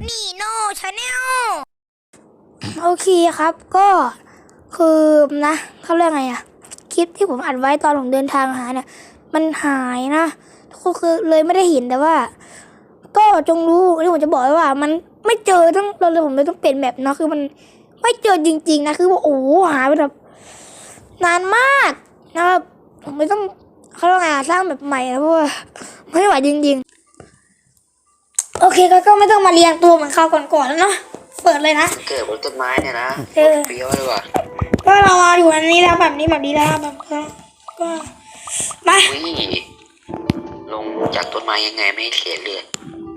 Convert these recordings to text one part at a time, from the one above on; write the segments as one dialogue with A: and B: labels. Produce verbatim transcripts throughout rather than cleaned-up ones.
A: นี่โน่ชาแนล
B: โอเคครับก็คือนะเขาเรียกไงอะคลิปที่ผมอัดไว้ตอนผมเดินทางหาเนี่ยมันหายนะก็คือเลยไม่ได้เห็นแต่ว่า ก็จงรู้ที่ผมจะบอกไว้ว่า มันไม่เจอต้องเราเลยผมเลยต้องเปลี่ยนแบบนะคือมันไม่เจอจริงๆนะคือว่าโอ้หายไปแบบนานมากนะครับผมไม่ต้องเขาเรียกไงสร้างแบบใหม่นะเพราะว่าไม่ไหวจริงๆโอเคก็ก็ไม่ต้องมาเรียงตัวเหมือนคราวก่อนๆแล้วเนาะเปิดเลยนะ
C: เกิดบนต้นไม้เนี่ยนะเปรี้ยวเลยว่ะ
B: ก็เรามาอยู่อันนี้แล้วแบบนี้แบบนี้แล้วแบบก็ก็มา
C: ลงจากต้นไม้ยังไงไม่เสียเลือด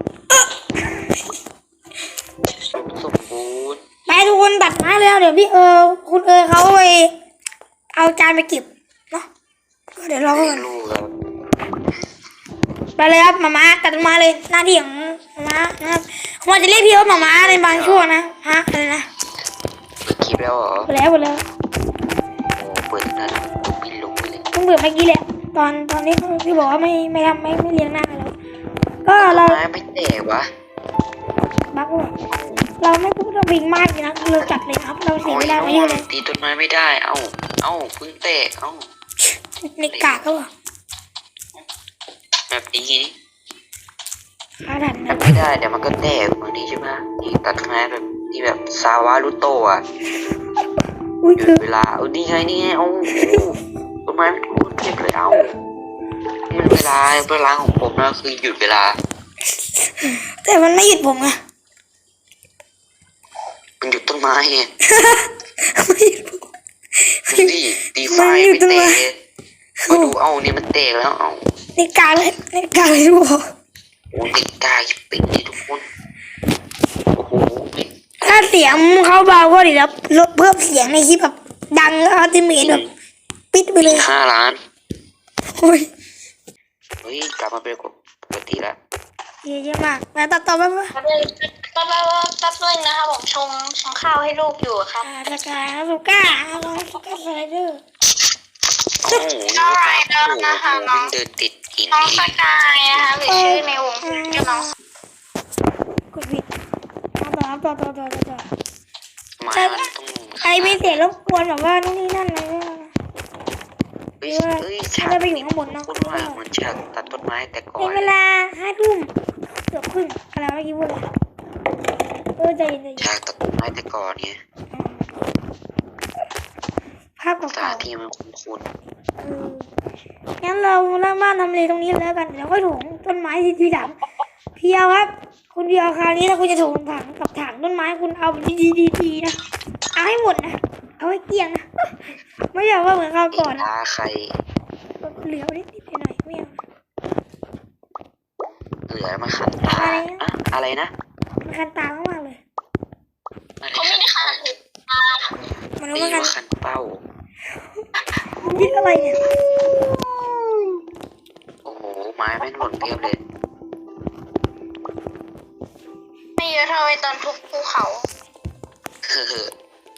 C: สมบูรณ์
B: ไปทุกคนตัดไม้แล้วเดี๋ยวพี่เออคุณเออเขาไปเอาจานไปเก็บเนาะก็เดี๋ยวเราก็ไปเลยครับมาม่าตัดต้นไม้เลยหน้าที่ของมาม่านะครับผมจะเรียกพี่ว่ามาม่าในบางช่วงนะฮะอะไรนะ
C: เปิดคลิปแล้วเหรอ
B: เปิดแล้วเปิดแล้ว
C: โอ้เปิดนานลุกบินลุกไปเลย
B: เพิ่งเปิดเมื่อกี้แหละตอนตอนนี้พี่บอกว่าไม่ไม่ทำไม่ไม่เลี้ยงหน้าแล้วก็เรา
C: ไม่แตกวะ
B: บักว่าเราไม่พูดเราวิ่งมากนะเราจัดเลยครับเราเสียเวลาไปเยอะเลย
C: ตีต้นไม้ไม่ได้เอ้าเอ้าเพิ่งแตกเอ้า
B: ในกากก็ว่า
C: แบบนี้
B: ขาดันนะ
C: ไม่ได้เดี๋ยวมันก็แตกบางทีใช่ไหมนี่ตัดต้นไม้แบบที่แบบซาวารุโตะหยุดเวลาเออนี่ไงนี่ไงเอ้าต้นไม้ไม่พูดเจ็บเลยเอ้านี่เวลาเวลาของผมนะคือหยุดเวลา
B: แต่มันไม่หยุดผมอะ
C: มันหยุดต้นไม้ไง
B: ไม่หยุดผม
C: ดีตีไฟไม่เตะมาดูเอ้านี่มันเตะแล้วเอ้า
B: ในกาเลยในกาเลยทุกคน
C: โอ้ในกาปิดนี่ทุกคนโอ้โห
B: ถ้าเสียงเขาเบาก็ดีแล้วลดเพิ่มเสียงในคลิปแบบดังอัลติเมทแบบปิดไปเลย
C: ห้าล้าน
B: โอ้ย
C: เฮ้ยกลับมาเป็นปกติแล้ว
B: เยอะมากแล้วตัดต่อไปปะ
A: ตัดเลยตัดเลยตัดเลยนะครับผมชงชงข้าวให้ลูกอยู่ครับ
B: สกายสุก้าลองสุก้าสไลเดอร์
C: โอ้โหนี่ก็ครับโอ้โหวิ่งเดินติดหิน
A: น้องสกายนะคะหรือชื่อในวงชื่อน้อง
B: กดผิดต่อต่อต่อต่อต่อต่อ
C: ใช่
B: ใครไม่เสียรบกวนแบบว่านู่นนี่นั่นอะไร
C: เฮ้ยเฮ้ยฉากนี้มันคุ้นว่าเหมือนฉากตัดต้นไม้แต่ก่อน
B: เป็นเวลาห้าทุ่มเกือบครึ่งอะไรเมื่อกี้พูดอะไรเออใจเย็น
C: ฉากตัดต้นไม้แต่ก่อนเนี่ย
B: ภาพเก่า
C: ๆที่มันคุ้น
B: ๆงั้นเราเริ่มบ้านทำเลตรงนี้แล้วกันเดี๋ยวค่อยถงต้นไม้ทีทีหลังเพียวครับคุณเพียวคราวนี้ถ้าคุณจะถงถังกับถังต้นไม้คุณเอาดีดีดีดีนะเอาให้หมดนะเอาให้เกลี้ยงนะไม่อยากว่าเหมือนคราวก่อนนะ
C: ใคร
B: เหลือนิดนิดหน่อยไม่เอา
C: เหลือมาขันตาอะไรนะ
B: มันขันตามากเลย
A: เขาไม่ได้ขันตา
B: มัน
C: ไม่ขันขันเป้า
B: คิดอะไรเนี่ย
C: โอ้โหไม้ไม่หล่นเพียบเลย
A: ไม่เยอะเท่าไอ้ตอนทุบภูเขา
C: เฮ้อ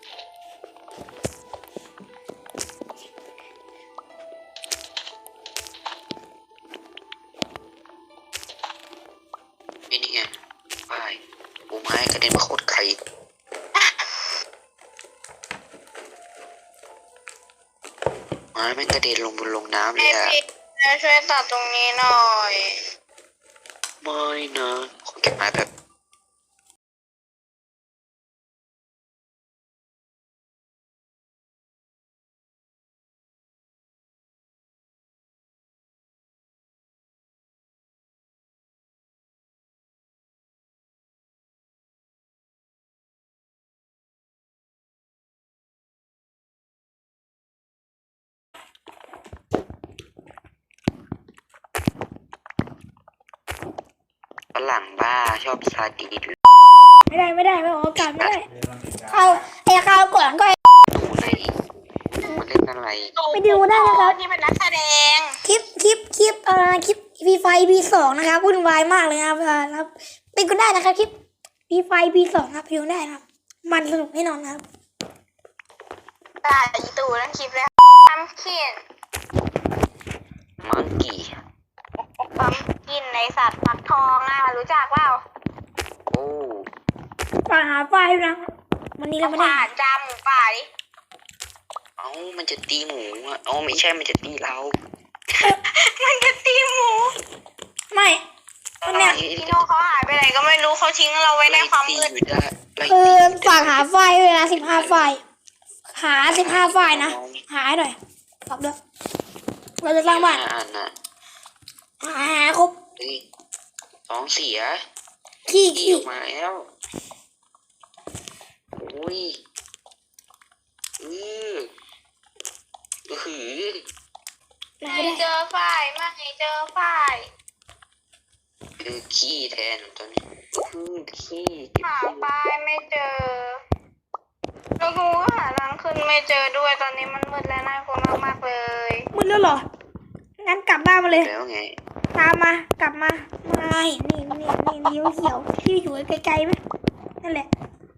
C: นี่ไงไปปูไม้กระเด็นมาโคตรไกลไม้ไม่กระเด็นลงบนลงน้ำเลยอะ
A: ช่วยตัดตรงนี้หน่อย
C: ไม่นะขอเก็บไม้แบบฝรั่งบ้าชอบซาดีน
B: ไม่ได้ไม่ได้ไม่ออกอากาศไม่ได้เขาไอ้ข้าวก่อนก็
C: ดูไหนมันเล่นอะไร
B: ไปดูได้นะครับ
A: นี่เป็นนักแสดง
B: คลิปคลิปคลิปเอ่อคลิปพีไฟพีสองนะครับวุ่นวายมากเลยครับครับไปดูได้นะครับคลิปพีไฟพีสองครับไปดูได้ครับมันสนุกแน่นอนครับ
A: ได้ยีตูนั่งคลิปเลยทำเขียน
C: มังกี้
A: ปั๊มกินในสัตว์ฟักทองอ่ะรู้จักเปล่า
C: โอ้
B: ฝากหาไฟล์ด้วยนะวันนี้เราไม่ได้
A: ป่าจามหมูป่าดิ
C: เอ้ามันจะตีหมูอ่ะเอ้าไม่ใช่มันจะตีเรา
A: มันจะตีหมู
B: ไม่ตอนเนี้ย
A: พี่โน่เขาหายไปไหนก็ไม่รู้เขาทิ้งเราไว้ในความมืด
B: คือฝากหาไฟล์ด้วยนะสิบห้าไฟล์หาสิบห้าไฟล์นะหาให้หน่อยฝากด้วยเราจะสร้างบ้าน
C: อ่านน่ะ
B: หาหาครบ
C: เฮ้ยท้องเสีย
B: ขี้
C: ขี้
B: ขี้
C: ออกมาแล้วโอ้ยอืออือหือ
B: ไหน
A: ไม่
B: ได้
A: เจอฝ้ายไม่เจอฝ้าย
C: คือขี้แทนตอนนี้อือขี้
A: หาฝ้ายไม่เจอแล้วกูก็หาทางขึ้นไม่เจอด้วยตอนนี้มันมืดและน่ากลัวมากๆเลย
B: มืดแล้วเหรองั้นกลับบ้านมาเลย
C: แล้วไง
B: ตามมากลับมามาเห็นนี่นี่นี่นิ้วเขียวที่อยู่ไกลๆไหมนั่นแหละ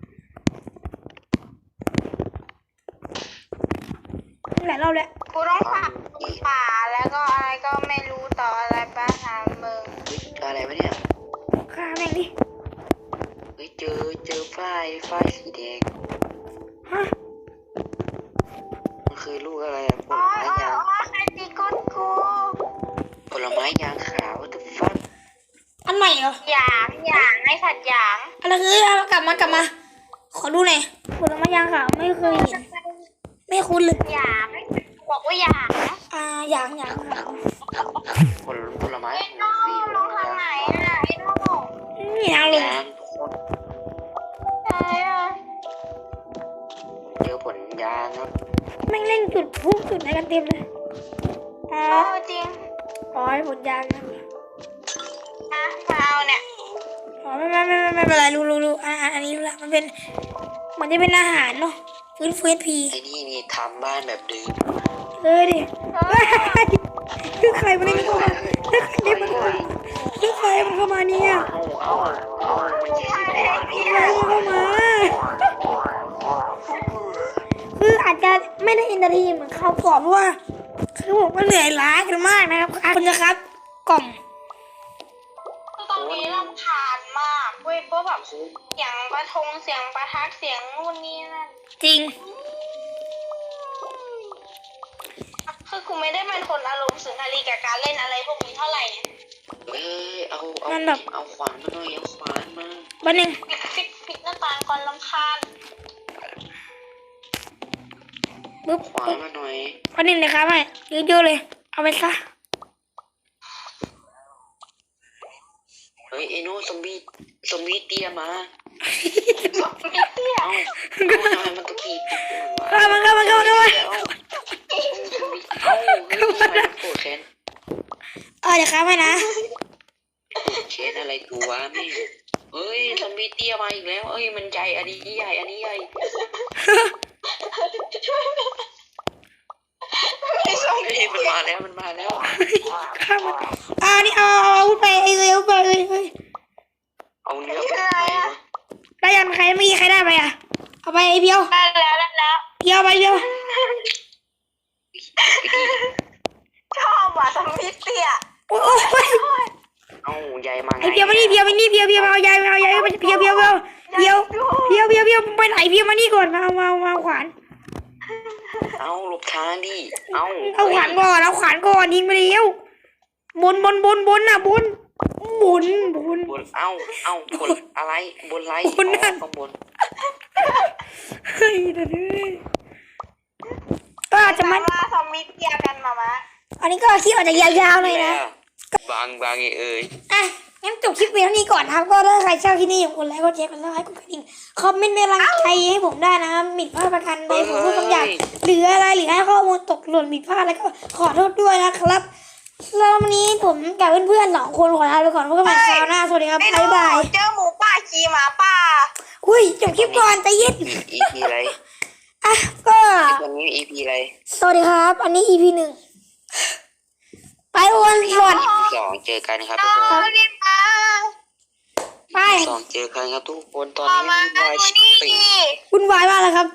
B: นั่นแหละเราแหละ
A: กูต้องผ่านป่าแล้วก็อะไรก็ไม่รู้ต่ออะไรไปหามึง
C: เฮ้ยอะไรวะเนี่ย
B: ฆ่าแม่งดิ
C: เฮ้ยเจอเจอฝ้ายฝ้ายสีแดง
B: ฮะ
C: มันคือลูกอะไรอะผ
A: อ๋
C: ล
A: อ
C: ไม้
A: อ๋อย
C: าง
A: อ๋อใครตีก้นกู
C: ผลไม้ยางขาวตุ๊บฟัก
B: อันใหม่เหรอ
A: หยางหยางไอ้สัตว์หยาง
B: อะไรคือเอากลับมากลับมา ขอดูหน่อยผลไม้ยางขาวไม่เคยเห็นไม่คุ้นเลย
A: หยางบอกว่าหยาง
B: อ่าอย่างอย่างขาว
C: ผลผลไม้
A: ไอ้โน่ลงทางไหนอ่ะไอ้โน่
B: นี่ยางเลย
C: ยางทุกคน
A: ไหนอ่ะ
C: เจอผลยางครับ
B: แม่งเล่นจุดพุ่งจุดอะไรกันเต็มเลยอ๋อ
A: โอ้จริง
B: อ๋อผลยางนะ
A: นะมาเอาเนี่ย
B: อ๋อไม่ไม่ไม่ไม่ไม่เป็นไรรู้รู้รู้อ่าอันนี้รู้ละมันเป็นมันจะเป็นอาหารเนาะฟื้นฟูเอสพี
C: ไอ้นี่นี่ทำบ้านแบบเดิม
B: เออดิเฮ้ยคือใครมันเล่นเข้ามาคือใครมันเข้ามาคือใครมันเข้ามาเนี่ย
C: เอาเอาเอามันจะสิบ
A: ไอ้
C: วัน
A: พี่
B: ใครมันเข้ามาคืออาจจะไม่ได้อินเตอร์ทีเหมือนเขาวก่อนเพราะว่าคือผมก็เหนื่อยล้ากันมากนะครับคุณจะครับกล่อง
A: คือตอนนี้รำคาญมากเว้ยเพราะแบบเสียงประทงเสียงประทัดเสียงนู่นนี่นั่น
B: จริง
A: คือกูไม่ได้เป็นคนอารมณ์สุนทรีกับการเล่นอะไรพวกนี้เท่าไหร่ไง
C: เอ้ยเอาเอา
B: มันแบบ
C: เอาขวานมาหน่อยเอาขวานมา
B: บันหนึ่ง
A: ปิดปิดปิดหน้าต่างก่อนรำคาญ
B: ปุ๊บ
C: ขวานมาหน่อย
B: บันหนึ่งเลยครับไม่เยอะๆเลย เอาไปซะ
C: เฮ้ยไอ้โน่ซอมบี้ซอมบี้เตี้ยมา
A: ไม่เตี้ย
C: เอาเอาทำไมมันตะกี้ติดตัววะ
B: เข้ามาเข้ามาเข้ามาเข้ามา
C: เอาเอาเฮ้ยทำไมมันโกรธแค้น
B: เออเดี๋ยวครับให้นะ
C: โกรธแค้นอะไรกูวะแม่งเฮ้ยซอมบี้เตี้ยมาอีกแล้วเอ้ยมันใหญ่อันนี้ใหญ่อันนี้ใหญ่
A: ไม่ส่ง
C: เฮ้ยมันมาแล้วมันมาแล้ว
B: ข้ามมาอ่านี่เอาเอาเอาไปเอ้ยเอาไปเอ้ยเอ้ย
C: เอาเนื้อไปไหนวะ
B: ได้ยังใครไม่มีใครได้ไปอ่ะเอาไปไอ้เพียว
A: ได้แล้วได้แล้ว
B: เพียวไปเพียว
A: ชอบว่ะสมิธเตี้ย
B: โอ้ยโอ้ย
C: เอาใหญ่มาไง
B: ไอ้เพียวมานี่เพียวมานี่เพียวเพียวเอาใหญ่เอาใหญ่เพียวเพียวเพียวเพียวเพียวเพียวเพียวไปไหนเพียวมานี่ก่อนมาเอามาเอามาเอาขวาน
C: เอาหลบทางดิเอา
B: เอาขวานก่อนเอาขวานก่อนยิงไปเร็วบนบนบนบนน่ะบนบนบน
C: บนเอาเอาบนอะไรบนไร
B: บนนั่น
C: ข้างบน
B: เฮ้ยเดี๋ยวนี้ก็อาจจะมัน
A: ว่าสมิธเตี้ยกันมามะ
B: อันนี้ก็คลิปอาจจะยาวๆหน่อยนะ
C: บางบางไอ้เอ้ย
B: อ่ะงั้นจบคลิปเพียงเท่านี้ก่อนนะครับก็ถ้าใครชอบคลิปนี้อย่าลืมกดไลค์กดแชร์กดซับสไครต์กดกระดิ่งคอมเมนต์เป็นกำลังใจให้ผมได้นะครับผิดพลาดประการใดผมพูดคำหยาบหรืออะไรหรือให้ข้อมูลตกหล่นผิดพลาดแล้วก็ขอโทษด้วยนะครับแล้ววันนี้ผมกับเพื่อนๆสองคนขอลาไปก่อนพบกันใหม่คราวหน้าสวัสดีครับ
A: ไอ้
B: บ๊ายบาย
A: เจอหมูป่าขี่หมาป่า
B: อุ้ยจบคลิปก่อนใจเย็น
C: อีพีอะไร
B: อ่ะก็
C: วันนี้อีพีอะไร
B: สวัสดีครับ อันนี้ อี พี หนึ่งไปโอนสวัสดี
C: สองเจอกันครับ
A: น้
C: ทุก
A: อ
C: ค
A: ง
C: น
A: รีบมา
B: ไป
C: สองเจอกันครับทุกคนตอน
A: มา
C: นี้
A: มา
C: วุ่นวาย
A: ดู
C: ชิบ
A: นี่
C: เป่ง
A: ดิ
B: วุ่นวายมากเลยครับ